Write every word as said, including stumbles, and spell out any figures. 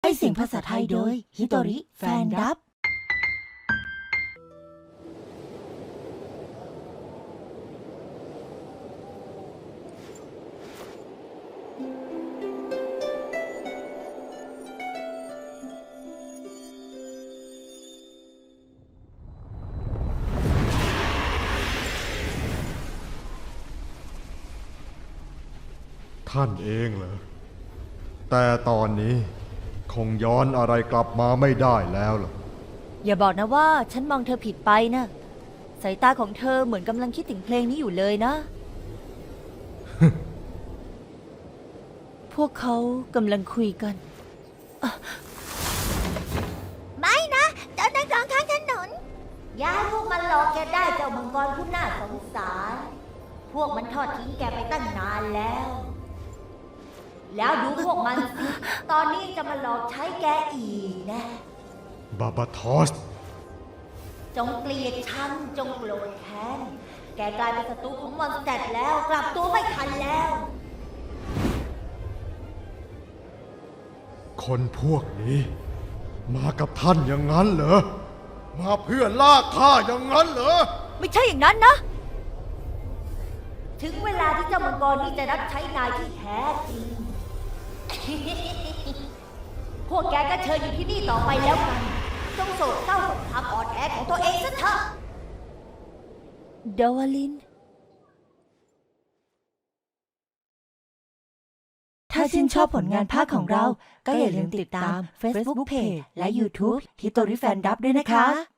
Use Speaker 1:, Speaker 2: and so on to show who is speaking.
Speaker 1: ให้เสียงภาษาไทยโดยฮิโตริแฟนดับ
Speaker 2: ท่านเองเหรอแต่ตอนนี้คงย้อนอะไรกลับมาไม่ได้แล้วล่ะ
Speaker 1: อย่าบอกนะว่าฉันมองเธอผิดไปนะสายตาของเธอเหมือนกำลังคิดถึงเพลงนี้อยู่เลยนะ พวกเขากำลังคุยกันไม่นะเจ้านักร้องข้างถนนอย่าให้พวกมันหลอกแกได้เจ้ามังกรผู้น่าสงสารพวกมันทอดทิ้งแกไปตั้งนานแล้วแล้วดูพวกมันสิตอนนี้จะมาหลอกใช้แกอีกนะ
Speaker 2: บาบาทอส
Speaker 1: จงเกลียดฉันจงโกรธแค้นแกกลายเป็นศัตรูของมอนสเตอร์แล้วกลับตัวไม่ทันแล้ว
Speaker 2: คนพวกนี้มากับท่านอย่างนั้นเหรอมาเพื่อลากข้าอย่างนั้นเหรอ
Speaker 1: ไม่ใช่อย่างนั้นนะถึงเวลาที่เจ้ามังกรนี่จะรับใช้นายที่แท้จริง พวกแกก็เชิญอยู่ที่นี่ต่อไปแล้วกันจงโศกเศร้ากับความอ่อนแอของตัวเองซะเถอะดาวลินถ้าชื่นชอบผลงานภาคของเราก็อย่าลืมติดตาม Facebook Page และ YouTube ฮิโตริแฟนดับด้วยนะคะ